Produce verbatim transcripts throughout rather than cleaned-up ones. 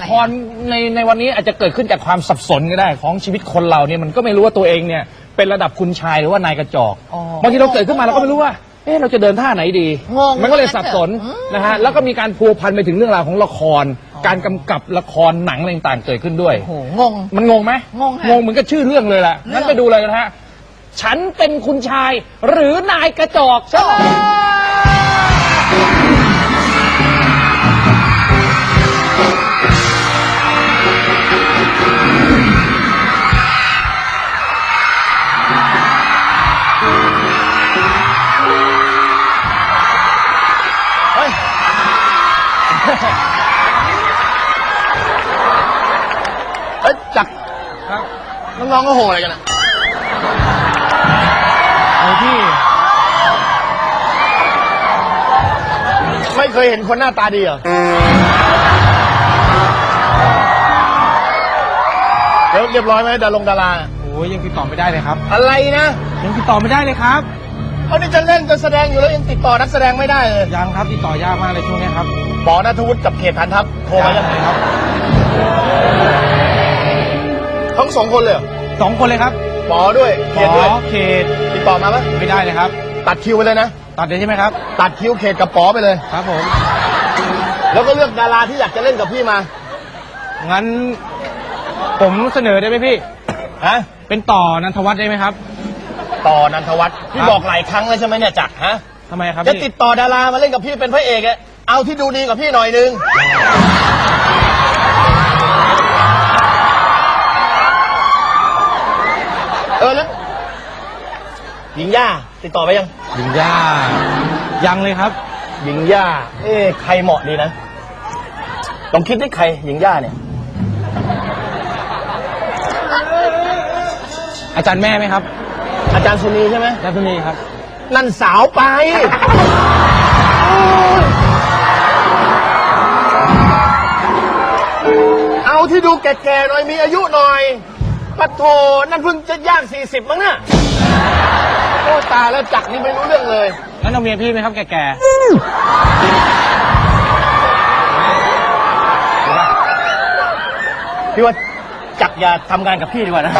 ครในในวันนี้อาจจะเกิดขึ้นจากความสับสนก็ได้ของชีวิตคนเราเนี่ยมันก็ไม่รู้ว่าตัวเองเนี่ยเป็นระดับคุณชายหรือว่านายกระจอกบางทีเราเกิดขึ้นมาเราก็ไม่รู้ว่าเอ๊ะเราจะเดินท่าไหนดีมันก็เลยสับสนนะฮะแล้วก็มีการพัวพันไปถึงเรื่องราวของละครการกำกับละครหนังอะไรต่างๆเกิดขึ้นด้วยงงมันงงไหมงงงงเหมือนกับชื่อเรื่องเลยแหละงั้นไปดูเลยนะฮะฉันเป็นคุณชายหรือนายกระจอกใช่ไหมเอ้ยจักรน้องๆก็โหอะไรกันอ่ะไอ้พี่ไม่เคยเห็นคนหน้าตาดีเหรอเดี๋ยวเรียบร้อยไหมดารงดาราโอ้ยยังติดต่อไม่ได้เลยครับอะไรนะยังติดต่อไม่ได้เลยครับเขานี่จะเล่นจะแสดงอยู่แล้วยังติดต่อนักแสดงไม่ได้เลยยังครับติดต่อยากมากเลยช่วงนี้ครับปอณัฐวุฒิกับเขตฐานทัพโทรมายังไงครับทั้งสองคนเลยสองคนเลยครับปอด้วยเขตด้วยเขตติดต่อมาไหมไม่ได้เลยครับตัดคิวไปเลยนะตัดเลยใช่ไหมครับตัดคิวเขตกับปอไปเลยครับผมแล้วก็เลือกดาราที่อยากจะเล่นกับพี่มางั้นผมเสนอได้ไหมพี่ฮะเป็นต่อนันทวัฒน์ได้ไหมครับต่อนันทวัฒน์พี่บอกหลายครั้งแล้วใช่ไหมเนี่ยจักรฮะทำไมครับจะติดต่อดารามาเล่นกับพี่เป็นพระเอกอะเอาที่ดูดีกับพี่หน่อยนึงเออแล้วหญิงย่าติดต่อไปยังหญิงย่ายังเลยครับหญิงย่าเอ๊ะใครเหมาะดีนะลองคิดได้ใครหญิงย่าเนี่ยอาจารย์แม่ไหมครับอาจารย์สุนีใช่ไหมอาจารย์สุนีครับนั่นสาวไปเอาที่ดูแก่ๆหน่อยมีอายุหน่อยปัดโถนั่นเพิ่งจะย่างสี่สิบมั้งน่ะโอ้ตาแล้วจักนี่ไม่รู้เรื่องเลยงั้นเอาเมียพี่ไหมครับแก่ๆพี่ว่าจักอย่าทำงานกับพี่ดีกว่านะ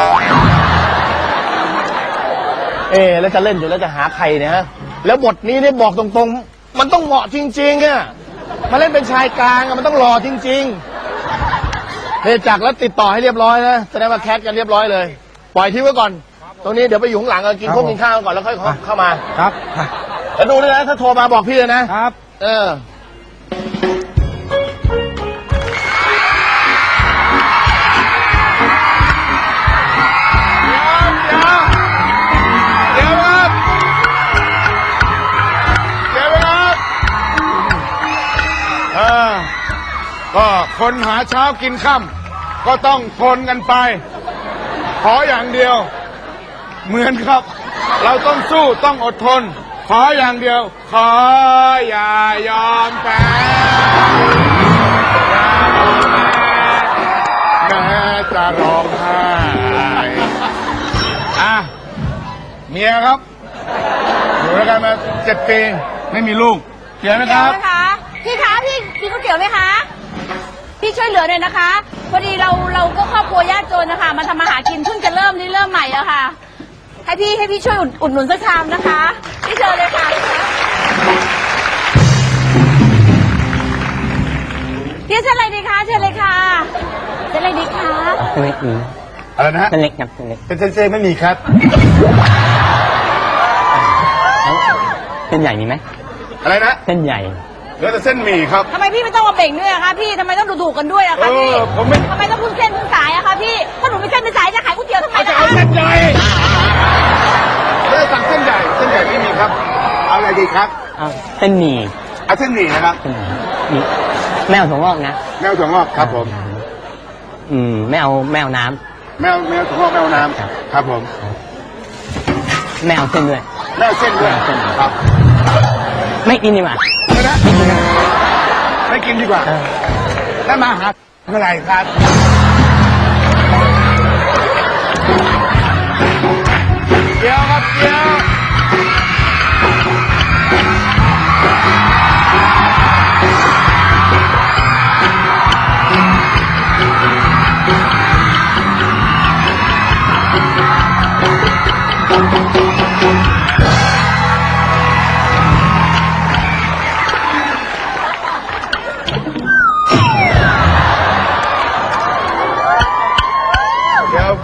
เออแล้วจะเล่นอยู่แล้วจะหาใครเนี่ยฮะแล้วบทนี้เนี่ยบอกตรงๆมันต้องเหมาะจริงๆอะมาเล่นเป็นชายกลางอะมันต้องหล่อจริงๆเฮ้จักแล้วติดต่อให้เรียบร้อยนะแสดงว่าแคสกันเรียบร้อยเลยปล่อยทิ้งไว้ก่อนตรงนี้เดี๋ยวไปอยู่ข้างหลังกินข้าวกินข้าวก่อนแล้วค่อยเข้ามาครับแล้วดูด้วยนะถ้าโทรมาบอกพี่เลยนะครับเออก็คนหาเช้ากินค่ำก็ต้องทนกันไปขออย่างเดียวเหมือนครับเราต้องสู้ต้องอดทนขออย่างเดียวขออย่ายอมแพ้แม้จะร้องไห้อ่ะเมียครับอยู่ด้วยกันมาเจ็ดปีไม่มีลูกเกี่ยวไหมครับพี่คะพี่กินก๋วยเตี๋ยวไหมคะพี่ช่วยเหลือหน่อยนะคะพอดีเราเราก็ครอบครัวยากจนนะคะมาทำมาหากินเพิ่งจะเริ่มนี่เริ่มใหม่อะค่ะให้พี่ให้พี่ช่วยอุดหนุนสักชามนะคะพี่เชิญเลยค่ะพี่เชิญอะไรดีคะเชิญเลยค่ะเชิญอะไรดีคะเส้นเล็กมีอะไรนะฮะเส้นเล็กครับเส้นเล็กเป็นเส้นๆไม่มีครับเส้นใหญ่มีไหมอะไรนะเส้นใหญ่เหลือแต่เส้นหมี่ครับทำไมพี่ไม่ต้องมาเบ่งด้วยอะคะพี่ทำไมต้องดูถูกกันด้วยอะคะพี่ผมไม่ทำไมต้องพูดเส้นพูดสายอะคะพี่ถ้าหนูไม่เส้นไม่สายจะขายก๋วยเตี๋ยวทำไมล่ะจะเอาเส้นใหญ่ไม่ได้สั่งเส้นใหญ่เส้นใหญ่ไม่มีครับเอาอะไรดีครับเอาเส้นหมี่เอาเส้นหมี่นะครับนี่แมวถั่วงอกนะแมวถั่วงอกครับผมอืมแมวแมวน้ำแมวแมวถั่วงอกแมวน้ำครับผมแมวเส้นด้วยแมวเส้นด้วยครับไม่กินดีกว่าไม่นะไม่กินดีกว่าแล้วมาหาเมื่อไหร่ครับเดี๋ยวครับเดี๋ยว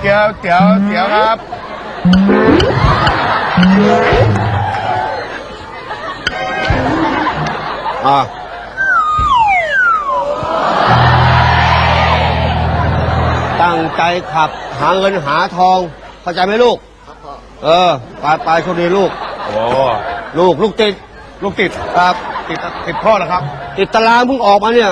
เตี๋ยวเตี๋ยวเตี๋ยวครับอ่าตั้งใจขับหาเงินหาทองเข้าใจไหมลูกเออไปไปโชคดีลูกโอ้ลูกลูกติดลูกติดครับติดติดพ่อเหรอครับติดตารางเพิ่งออกมาเนี่ย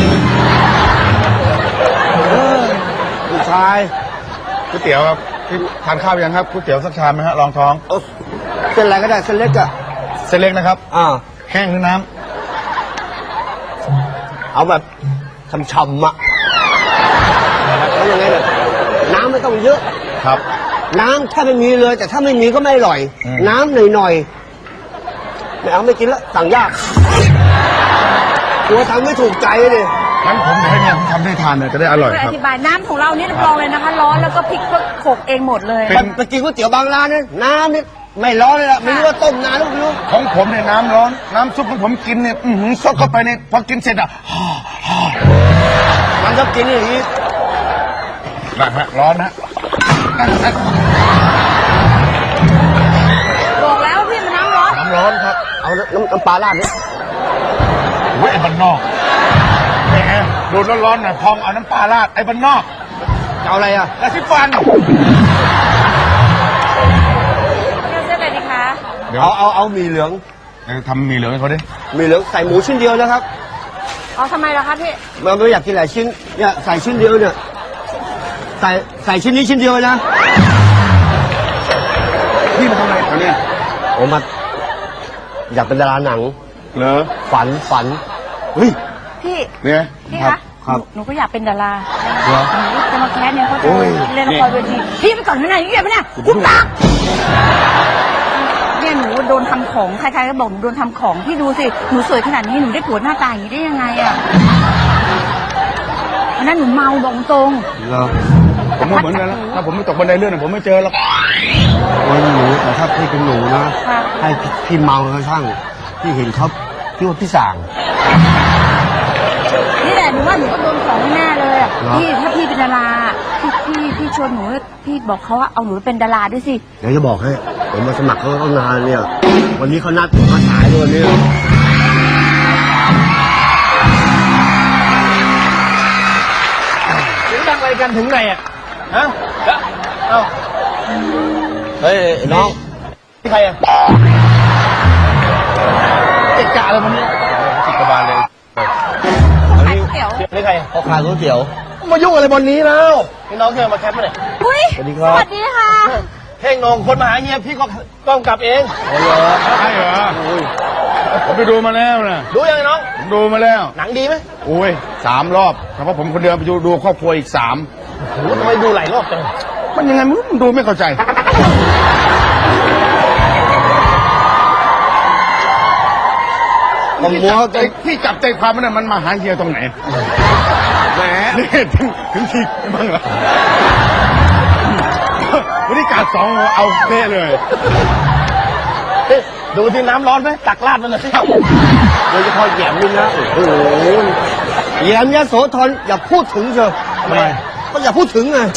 เออผู้ชายก๋วยเตี๋ยวครับพี่ทานข้าวยังครับก๋วยเตี๋ยวสักชามไหมฮะรองท้องเอาเส้นอะไรก็ได้เส้นเล็กอะเส้นเล็กนะครับอ่าแห้งหรือน้เอาแบบฉ่ำๆอะแล้วยังไงเนี่ยน้ำไม่ต้องเยอะำครับน้ำถ้าไม่มีเลย แต่ถ้าไม่มีก็ไม่อร่อยอืมน้ำหน่อยๆไม่เอาไม่กินแล้วสั่งยากกลัวทำไม่ถูกใจเลยงั้นผมจะให้เมียผมทำให้ทานเลยจะได้อร่อยช่วยคอรับธิบายน้ำของเราเนี่ยรับรองเลยนะคะ ร้อนแล้วก็พริกก็โขลกเองหมดเลยเป็นไปกินก๋วยเตี๋ยวบางร้านเนี่ยน้ำนี่ไม่ร้อนเลยล่ะไม่รู้ว่าต้มนานหรือไม่รู้ของผมเนี่ยน้ำร้อน น้ำซุปของผมกินเนี่ยอือหือซดเข้าไปเนี่ยพอกินเสร็จอ่ะมันก็กินอย่างนี้นะฮะร้อนนะบอกแล้วว่าพี่มันน้ำร้อนน้ำร้อนครับเอาน้ำน้ำปลาราดนี่โอ้ยไอ้บ้านนอกแหมโดนร้อนๆหน่อยพองเอาน้ำปลาราดไอ้บ้านนอกจะเอาอะไรอ่ะกระซิบฟันเลือกเส้นอะไรดีคะเดี๋ยวเอาเอาเอาหมี่เหลืองเดี๋ยวทำหมีเหลืองให้เขาดิหมี่เหลืองใส่หมูชิ้นเดียวนะครับอ๋อทำไมล่ะคะพี่มันไม่อยากกินหลายชิ้นเนี่ยใส่ชิ้นเดียวเนี่ยใส่ใส่ชิ้นนี้ชิ้นเดียวนะพี่มาทำอะไรเขาเนี่ยผมมาอยากเป็นดาราหนังเหรอฝันฝันเฮ้ยพี่เนี่ยพี่ครัคะบครับหนูก็อยากเป็นดาราเหรอหนูจะมาแคสเนี่ยเขาจะโอ้ยเล่นละครเวทีพี่ไปก่อนไม่ไหนนี่อย่าไปนะคุณปากเนี่ยหนูโดนทำของใครๆก็บอกหนูโดนทำของพี่ดูสิหนูสวยขนาดนี้หนูได้ผัวหน้าตาอย่างนี้ได้ยังไงอ่ะวันนั้นหนูเมาบอกตรงเหรอผมก็เหมือนกันแล้วถ้าผมไม่ตกบันไดเลื่อนนะผมไม่เจอหรอกโอ้ยหนูแต่ถ้าพี่เป็นหนูนะค่ะให้พี่พี่เมาก็ช่างพี่เห็นเขาพี่ว่าพี่สั่งนี่แหละหนูว่าหนูก็โดนของแน่เลยอะเหรอพี่ถ้าพี่เป็นดาราพี่พี่พี่ชวนหนูพี่บอกเขาว่าเอาหนูไปเป็นดาราด้วยสิเดี๋ยวจะบอกให้ผมมาสมัครเขาตั้งนานเนี่ย วันนี้เขานัดผมมาสายด้วยวันนี้เสียงดังอะไรกันถึงไหนอ่ะฮะเอ้าเฮ้ยน้องใครอ่ะเกะกะอะไรมันเนี่ยติดกระบาลเลยขายก๋วยเตี๋ยวนี่ใครเขาขายก๋วยเตี๋ยวมายุ่งอะไรบนนี้แล้วนี่น้องเธอมาแคปมาเนี่ยอุ้ยสวัสดีครับสวัสดีค่ะเท่งนงคนมาหาเฮียพี่ก็กำกับเองโอ้โหใช่เหรอผมไปดูมาแล้วนะดูยังไงน้องผมดูมาแล้วหนังดีไหมโอ้ยสามรอบแต่ว่าผมคนเดียวไปดูดูครอบครัวอีกสามโอ้โหทำไมดูหลายรอบจังมันยังไงมึงดูไม่เข้าใจผมมัวใจที่จับใจความมันน่ะมันมาหาเฮียตรงไหนแหมนี่ถึงถึงทีบ้างเหรอวันนี้การสองเอาเท่เลยเอ๊ะดูที่น้ำร้อนไหมตักราดมันหน่อยสิโดยเฉพาะแหยมนี่นะโอ้โหแหยมยโสธรอย่าพูดถึงเชียวทำไมก็อย่าพูดถึงไง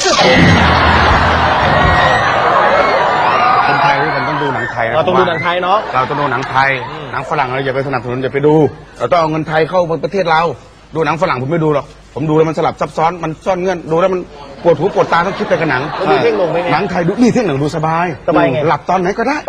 คนไทยด้วยกันต้องดูหนังไทยนะเราต้องดูหนังไทยเนาะเราต้องดูหนังไทย หนังฝรั่งเราอย่าไปสนับสนุนอย่าไปดู เราต้องเอาเงินไทยเข้ามาประเทศเรา ดูหนังฝรั่งผมไม่ดูหรอก ผมดูแล้วมันสลับซับซ้อน มันซ่อนเงื่อน ดูแล้วมันปวดหูปวดตาต้องคิดไปกับหนังแล้วดูเท่งนงเป็นไงหนังไทยดูนี่เท่งหนังดูสบายสบายไงหลับตอนไหนก็ได้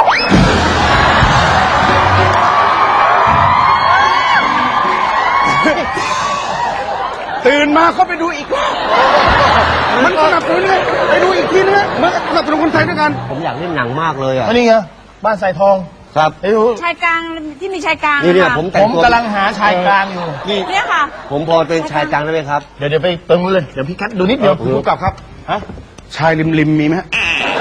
ตื่นมาก็ไปดูอีกรอบมันสนับสนุนไงไปดูอีกทีนึงมันสนับสนุนคนไทยด้วยกันผมอยากเล่นหนังมากเลยอ่ะอันนี้ไงบ้านสายทองครับไอ้หูชายกลางที่มีชายกลางนี่เนี่ยะผมแต่ผงมตัวกำลังหาชายกลางอยู่นี่เนี่ยค่ะผมพอเป็นชายกลางได้ไหมครับเดี๋ยวเดี๋ยวไปเติมเลย เดี๋ยวพี่คัดดูนิดเดียวเออดูกลับครับ ฮะชายริมริมมีไหมฮะ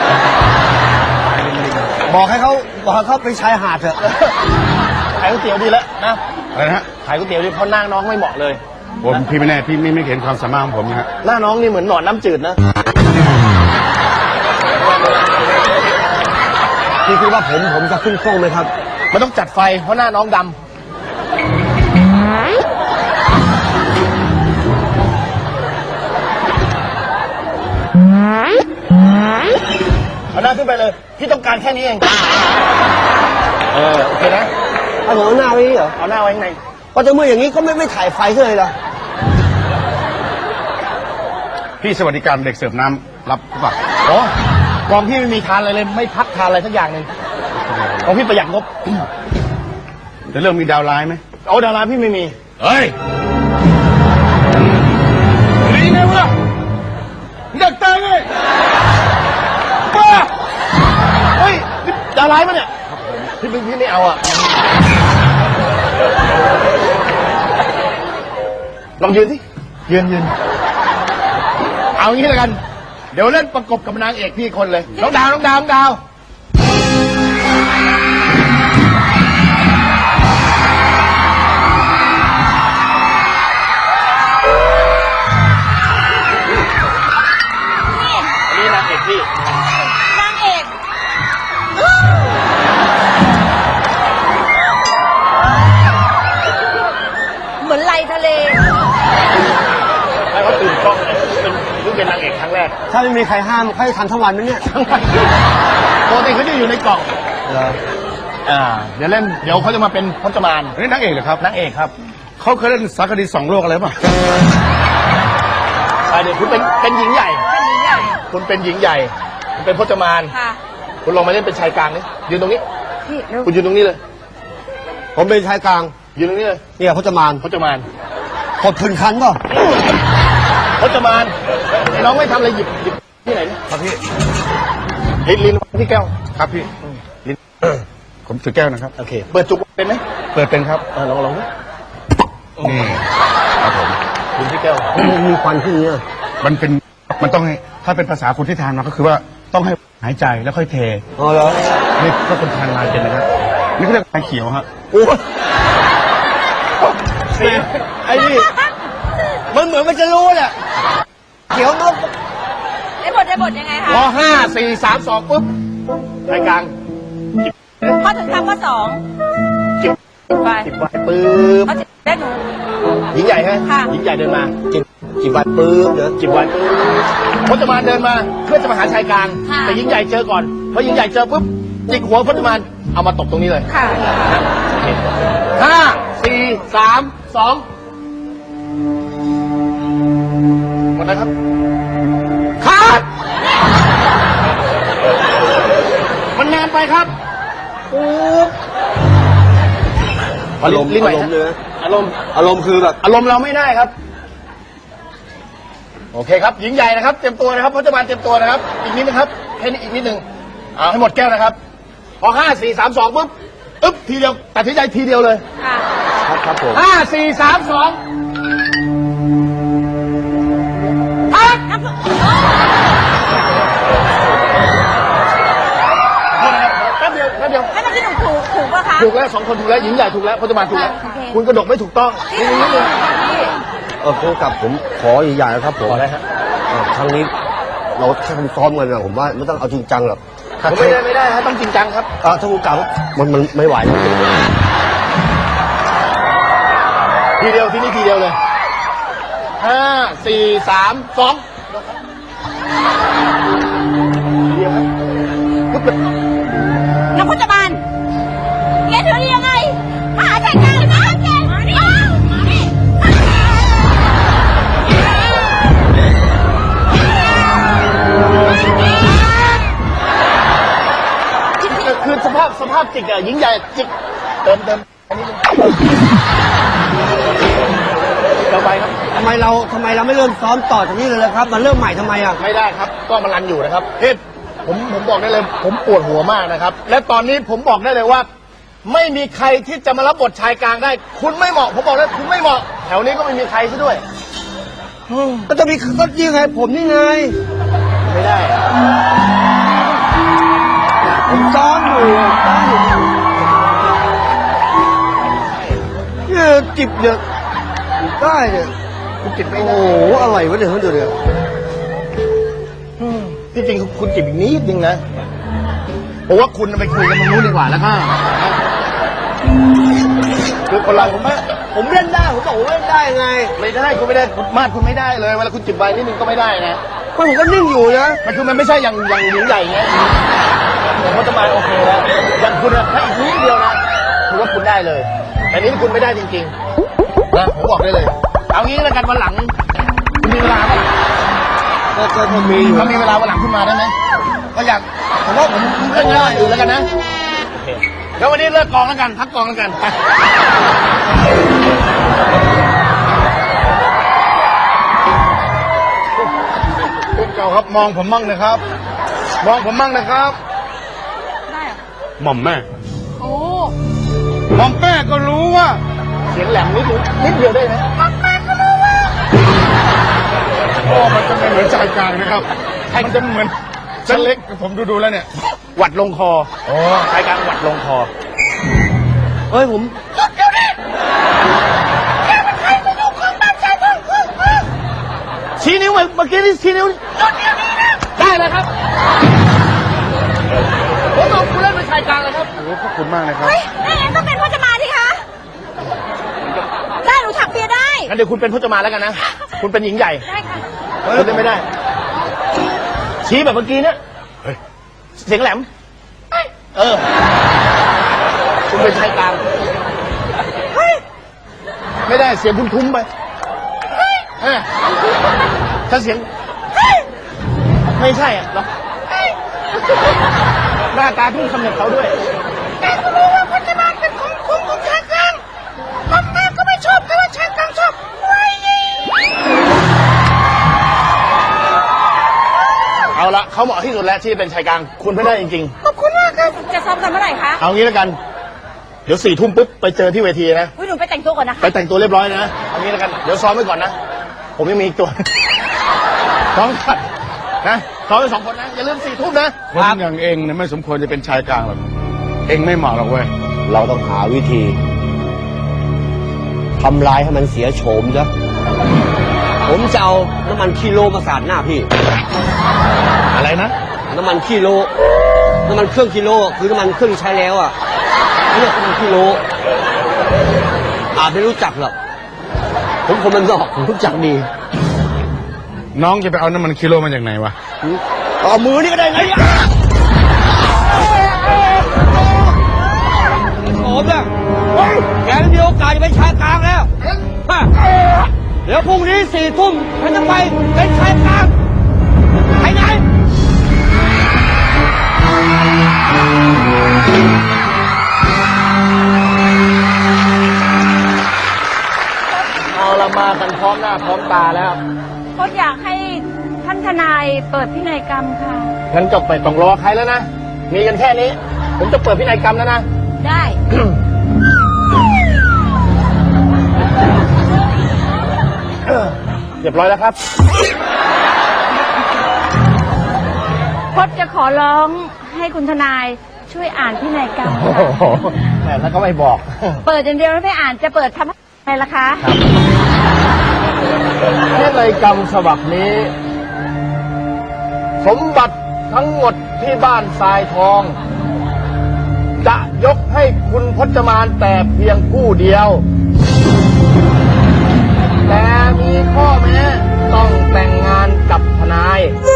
บอกให้เขาบอกให้เขาไปชายหาดเถอะขายก๋วยเตี๋ยวดีแล้วนะอะไรนะฮะขายก๋วยเตี๋ยวดีเพราะหน้าน้องไม่เหมาะเลยผมพี่ไม่แน่พี่ไม่ไม่เห็นความสามารถของผมนะฮะหน้าน้องนี่เหมือนหนอนน้ำจืดนะพี่คิดว่าผมผมจะขึ้นโค้งไหมครับมันต้องจัดไฟเพราะหน้าน้องดำาขึ้นไปเลยพี่ต้องการแค่นี้เองเออโอเคนะเอาผมเอาหน้าไว้นี่เหรอเอาหน้าไว้ข้างในก็จะเมื่ออย่างนี้ก็ไม่ไม่ถ่ายไฟเลยล่ะพี่สวัสดิการเด็กเสิร์ฟน้ำรับหรือเปล่าโอ้กองพี่ไม่มีทานอะไรเลยไม่พักทานอะไรสักอย่างหนึ่งกองพี่ประหยัดงบจะเริ่มมีดาวร้ายไหมเอาดาราพี่ไม่มีเฮ้ยหนีไงวะอยากตายไงป้าเฮ้ยนี่ดาราไหมเนี่ยพี่พี่พี่ไม่เอาอ่ะลองยืนสิยืนยืนเอางี้แล้วกัน เดี๋ยวเล่นประกบกับนางเอกพี่คนเลยน้องดาวน้องดาวน้องดาวอันนี้นางเอกพี่นางเอกเหมือนไหลทะเลให้เขาตื่นกล้องเลยเป็นเพิ่งเป็นนางเอกครั้งแรกถ้าไม่มีใครห้ามเขาจะทันทั้งวันไหมเนี่ยปกติเขาจะอยู่ในกล่องเหรออ่า เดี๋ยวเล่น เดี๋ยวเขาจะมาเป็นพจมานอันนี้นางเอกเหรอครับนางเอกครับเขาเคยเล่นสารคดีสองโลกอะไรป่ะอ่าเดี๋ยวคุณเป็นเป็นหญิงใหญ่เป็นหญิงใหญ่คุณเป็นหญิงใหญ่คุณเป็นพจมานค่ะคุณลองมาเล่นเป็นชายกลางนี่ยืนตรงนี้พี่เร็วคุณยืนตรงนี้เลยผมเป็นชายกลางยืนตรงนี้เลยเนี่ยพจมานพจมานกดพื้นคันป่ะพจมานไอ้น้องไม่ทำอะไรหยิบหยิบที่ไหนเนี่ยครับพี่ลินลินที่แก้วครับพี่ลิ้นผมถือแก้วนะครับโอเค เปิดจุกเป็นไหมเปิดเป็นครับเออลองลองดูนี่ครับผมลินที่แก้วมีควันขึ้นเนี่ยมันเป็น มันต้องให้ ถ้าเป็นภาษาคนที่ทานมาก็คือว่าต้องให้หายใจแล้วค่อยเทอ๋อเหรอนี่ก็คนทานมาเป็นนะครับ นี่เขาเรียกไฟเขียวฮะโอ้ยไอ้นี่มันเหมือนมันจะรู้แหละเขียวนกได้บทได้บทยังไงคะพอห้าสี่สามสองปุ๊บชายกลางพอถึงคำว่าสองจิบไปจิบไว้ปื๊บเขาจะได้หนูหญิงใหญ่ใช่ไหมค่ะหญิงใหญ่เดินมาจิบจิบวัดปื๊บเดี๋ยวจิบไว้ปื๊บพจมานเดินมาเพื่อจะมาหาชายกลาง แต่หญิงใหญ่เจอก่อนพอหญิงใหญ่เจอปุ๊บจิกหัวพจมานเอามาตบตรงนี้เลยค่ะห้าสี่สามสองหมดแล้วครับขาดมันนานไปครับปุ๊บอารมณ์ลิ้นไหวอารมณ์เลยนะอารมณ์อารมณ์คือแบบอารมณ์เราไม่ได้ครับ โอเคครับ หญิงใหญ่นะครับ เตรียมตัวนะครับพจมานเตรียมตัวนะครับ อีกนิดนะครับแค่นี้อีกนิดหนึ่งเอาให้หมดแก้วนะครับ พอห้าสี่สามสองปุ๊บอึ๊บทีเดียวตัดสินใจทีเดียวเลยค่ะครับครับผมห้าสี่สามสองอ่ะน้ำโทษนะครับแป๊บเดียวแป๊บเดียวให้เมื่อกี้หนูถูกถูกปะคะถูกแล้วสองคนถูกแล้วหญิงใหญ่ถูกแล้วพจมานถูกแล้วโอเคคุณกระดกไม่ถูกต้องนี่นิดนึงพี่เออผู้กำกับผมขอใหญ่ๆนะครับผมขออะไรฮะเออครั้งนี้เราแค่ซ้อมกันนะผมว่าไม่ต้องเอาจริงจังหรอกถ้าผมไม่ได้ไม่ได้ฮะต้องจริงจังครับเออถ้าผู้กำกับมันมันไม่ไหวทีเดียวที่นี่ทีเดียวเลยห้าสี่สามสองทีเดียวครับปุ๊บเลยน้ำพุจบานแกถือได้ยังไงมาหาใจกลางเลยนะแกมาดิมาดิคือสภาพสภาพจิกอะหญิงใหญ่จิกเติมเติมอันนี้เราไปครับทำไมเราทำไมเราไม่เริ่มซ้อมต่อจากนี้เลยล่ะครับ มันเริ่มใหม่ทำไมอ่ะไม่ได้ครับ ก็มันรันอยู่นะครับเฮ้ยผมผมบอกได้เลย ผมปวดหัวมากนะครับ และตอนนี้ผมบอกได้เลยว่า ไม่มีใครที่จะมารับบทชายกลางได้ คุณไม่เหมาะ ผมบอกเลยคุณไม่เหมาะ แถวนี้ก็ไม่มีใครซะด้วยก็จะมีก็ยังไงผมนี่ไงไม่ได้อะผมซ้อมอยู่ซ้อมอยู่เนี่ยจิบเนี่ยได้เนี่ยคุณจิบไม่โอ้ได้โหอะไรวะเนี่ยเฮ้ยเดี๋ยวเนี่ยที่จริงคุณจิบอีกนิดนึงนะผมว่าคุณไปคุยกันตรงนู้นดีกว่าแล้วก็คือคนเราผมว่าผมเล่นได้ผมบอกผมเล่นได้ไงไม่ได้คุณไม่ได้คุณมาดคุณไม่ได้เลยเวลาคุณจิบใบนิดนึงก็ไม่ได้นะผมก็นิ่งอยู่นะมันคือมันไม่ใช่อย่างอย่างหญิงใหญ่ไงแต่พจมานโอเคแล้วอย่างคุณอะถ้าอีกนิดเดียวนะถือว่าคุณได้เลย แต่นี้คุณไม่ได้จริงๆนะผมบอกได้เลย เอางี้แล้วกันวันหลังคุณมีเวลาไหมก็ก็ก็มีอยู่ถ้ามีเวลาวันหลังคุณมาได้ไหมก็อยากผมว่าผมเล่นงานอื่นแล้วกันนะโอเคแล้ววันนี้เลิกกองแล้วกันพักกองแล้วกันไปคุณเก่าครับมองผมมั่งนะครับ มองผมมั่งนะครับได้เหรอหม่อมแม่โอ้หม่อมแม่ก็รู้ว่าเสียงแหลมนิดนึงนิดเดียวได้ไหมโอ้มันจะไม่เหมือนชายกลางนะครับมันจะเหมือนชั้นเล็กผมดูดูๆแล้วเนี่ยหวัดลงคอโอ้ชายกลางหวัดลงคอเฮ้ยผมชี้นิ้วเมื่อกี้นี่ชี้นิ้วได้เลยครับผมเอาคุณเล่นเป็นชายกลางเลยครับโหขอบคุณมากนะครับเฮ้ยไม่งั้นก็เป็นพจมานสิคะ ได้หนูถักเปียได้งั้นเดี๋ยวคุณเป็นพจมานแล้วกันนะ คุณเป็นหญิงใหญ่ได้ค่ะคุณเล่นไม่ได้ ชี้แบบเมื่อกี้เนี่ยเฮ้ยเสียงแหลม เออ คุณเป็นชายกลางไม่ได้เสียงคุณทุ้มไปเออถ้าเสียงไม่ใช่อ่ะหรอกหน้าตาทุ่งคำเน็ตเขาด้วยแต่ก็รู้ว่าพจมานเป็นของคุณของชายกลางผมแม่ก็ไม่ชอบแต่ว่าชายกลางชอบเอาละเขาเหมาะที่สุดแล้วที่เป็นชายกลางคุณไม่ได้จริงๆขอบคุณมากครับ จะซ้อมกันเมื่อไหร่คะเอางี้แล้วกัน เดี๋ยวสี่ทุ่มปุ๊บไปเจอที่เวทีนะอุ้ยหนูไปแต่งตัวก่อนนะคะไปแต่งตัวเรียบร้อยนะ เอางี้แล้วกัน เดี๋ยวซ้อมไว้ก่อนนะ ผมยังมีอีกตัว ซ้อมก่อนนะซ้อมไปสองคนนะ อย่าลืมสี่ทุ่มนะคนอย่างเองเนี่ยไม่สมควรจะเป็นชายกลางหรอกเองไม่เหมาะหรอกเว้ยเราต้องหาวิธีทำลายให้มันเสียโฉมจ้ะผมจะเอาน้ำมันคิโลมาสาดหน้าพี่อะไรนะน้ำมันคิโล น้ำมันเครื่องกิโลคือน้ำมันเครื่องใช้แล้วอ่ะไม่เรียกน้ำมันกิโลอาจไม่รู้จักหรอกผมคนมันนอกผมรู้จักดีน้องจะไปเอาน้ำมันกิโลมาจากไหนวะเอามือนี่ก็ได้ไงเนี่ยผมเนี่ยแกไม่มีโอกาสจะเป็นชายกลางแล้วฮะเดี๋ยวพรุ่งนี้สี่ทุ่มฉันจะไปเป็นชายกลางไปไหนเอาละมากันพร้อมหน้าพร้อมตาแล้วพจน์อยากให้ท่านทนายเปิดพินัยกรรมค่ะงั้นจบไปต้องรอใครแล้วนะ มีกันแค่นี้ ผมจะเปิดพินัยกรรมแล้วนะได้เรียบร้อยแล้วครับพจน์จะขอร้องให้คุณทนายช่วยอ่านพินัยกรรมโอ้ค่ะโหแหมแล้วก็ไม่บอกเปิดอย่างเดียวแล้วไม่อ่านจะเปิดทำอะไรล่ะคะพินัยกรรมฉบับนี้ สมบัติทั้งหมดที่บ้านทรายทอง จะยกให้คุณพจมานแต่เพียงผู้เดียว แต่มีข้อแม้ต้องแต่งงานกับทนาย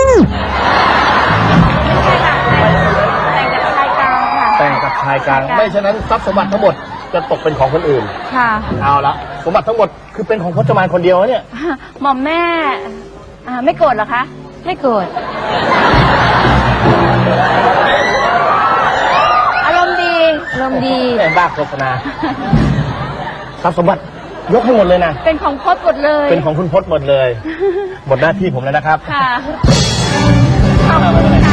ไม่ใช่ค่ะแต่งกับชายกลางค่ะแต่งกับชายกลางไม่ฉะนั้นทรัพย์สมบัติทั้งหมดจะตกเป็นของคนอื่นค่ะเอาละสมบัติทั้งหมดคือเป็นของพจมานคนเดียวนะเนี่ยหม่อมแม่อ่าไม่โกรธเหรอคะ ไม่โกรธอารมณ์ดีอารมณ์ดีแม่บ้าโฆษณาทรัพย์สมบัติยกให้หมดเลยนะเป็นของพจน์หมดเลยเป็นของคุณพจน์หมดเลย หมดหน้าที่ผมแล้วนะครับค่ะขอบคุณค่ะ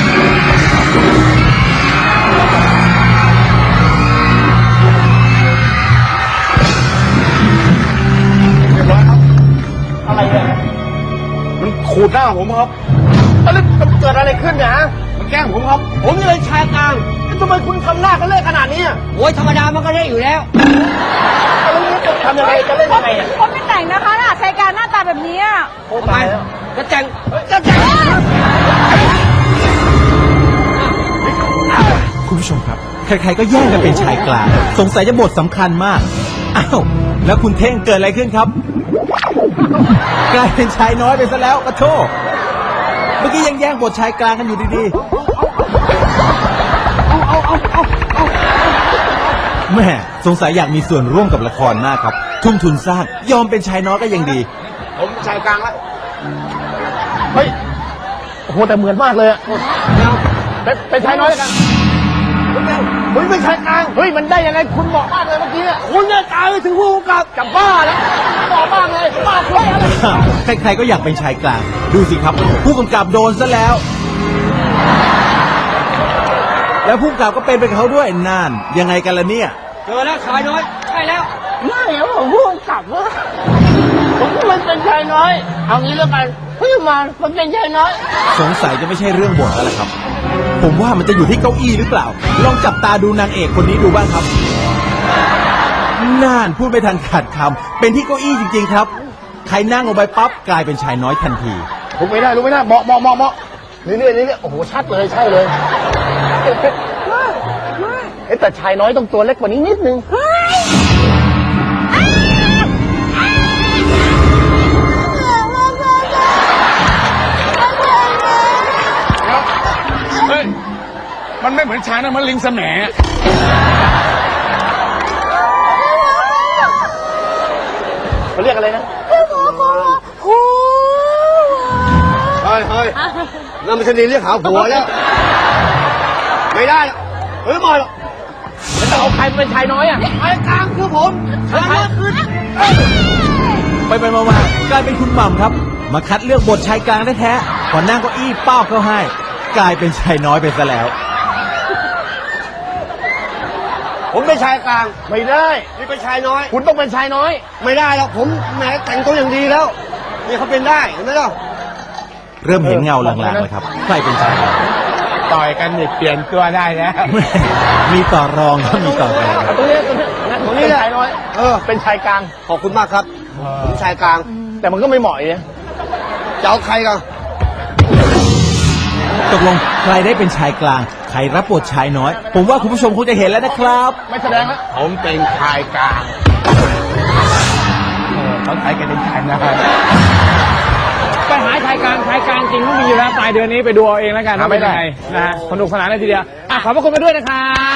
เรียบร้อยครับอะไรเนี่ยมันขูดหน้าผมครับแล้วมันเกิดอะไรขึ้นเนี่ยฮะมันแกล้งผมครับผมจะเป็นชายกลางแล้วทำไมคุณทำหน้าเขาเล่นขนาดนี้อะโอ้ยธรรมดามันก็ได้อยู่แล้วแล้วนี่จะทำยังไงจะเล่นยังไงอ่ะพจน์ไม่แต่งนะคะน่ะชายกลางหน้าตาแบบนี้อะโอ้ตายแล้วจะแต่งจะแต่งคุณผู้ชมครับ ใครๆก็แย่งกันเป็นชายกลาง สงสัยจะบทสำคัญมาก อ้าว แล้วคุณเท่งเกิดอะไรขึ้นครับ กลายเป็นชายน้อยไปซะแล้วปะโทมื่อกี้ยังแย่งบทชายกลางกันอยู่ดีๆแม่สงสัยอยากมีส่วนร่วมกับละครมากครับ ทุ่มทุนสร้างยอมเป็นชายน้อยก็ยังดีผมชายกลางแล้วเฮ้ยโอ้โหแต่เหมือนมากเลยอะเป็นเป็นชายน้อยแล้วกันเฮ้ยเป็นชายกลางเฮ้ยมันได้ยังไงคุณเหมาะมากเลยเมื่อกี้อะคุณเนี่ยตายไปถึงผู้กำกับกับบ้าแล้วเหมาะมากเลยบ้าเลยใครๆก็อยากเป็นชายกลาง ดูสิครับ ผู้กำกับโดนซะแล้ว แล้วผู้กำกับก็เป็นไปกับเขาด้วยนั่นยังไงกันล่ะเนี่ยเจอแล้วชายน้อยใช่แล้วไม่เอาผมผู้กำกับว่าผมมันเป็นชายน้อย เอางี้แล้วกันเฮ้ยมามันเป็นชายน้อยสงสัยจะไม่ใช่เรื่องบทแล้วล่ะครับ ผมว่ามันจะอยู่ที่เก้าอี้หรือเปล่า ลองจับตาดูนางเอกคนนี้ดูบ้างครับน่านพูดไม่ทันขาดคำเป็นที่เก้าอี้จริงๆครับ ใครนั่งลงไปปั๊บกลายเป็นชายน้อยทันทีลุกไม่ได้ลุกไม่ได้เหมาะเหมาะเหมาะเหมาะเรื่อยๆเรื่อยๆโอ้โหชัดเลยใช่เลยเอ๊ะแต่ชายน้อยต้องตัวเล็กกว่านี้นิดนึงเฮ้ย มันไม่เหมือนชายนะมันลิงแสมเขาเรียกอะไรนะเฮ้ยเฮ้ยนั่นไม่ใช่เรียกหาผัวแล้ว ไม่ได้เฮ้ยมาหรอกแล้วจะเอาใครมาเป็นชายน้อยอ่ะชายกลางคือผมชายน้อยคือไปไปๆมาๆกลายเป็นคุณหม่ำครับ มาคัดเลือกบทชายกลางแท้ๆพอนั่งเก้าอี้เป้าเข้าให้ กลายเป็นชายน้อยไปซะแล้วผมเป็นชายกลางไม่ได้นี่เป็นชายน้อยคุณต้องเป็นชายน้อยไม่ได้หรอกผมแหมแต่งตัวอย่างดีแล้ว นี่เขาเป็นได้เห็นไหมล่ะเริ่มเห็นเงาลางๆแล้วครับใครเป็นชายกลางต่อยกันนี่เปลี่ยนตัวได้แล้วแม่มีต่อรองครับมีต่อรองตรงนี้ตรงนี้งั้นผมเป็นชายน้อยเออเป็นชายกลางขอบคุณมากครับ ผมชายกลางแต่มันก็ไม่เหมาะเนี่ยจะเอาใครกันตกลงใครได้เป็นชายกลาง ใครรับบทชายน้อย ผมว่าคุณผู้ชมคงจะเห็นแล้วนะครับไม่แสดงแล้วผมเป็นชายกลางเขาใช้กันเป็นชายนะไปหาชายกลางชายกลางจริงก็มีอยู่แล้วปลายเดือนนี้ไปดูเอาเองแล้วกันว่าเป็นยังไงนะฮะสนุกสนานเลยทีเดียวอ่ะขอบพระคุณมาด้วยนะครับ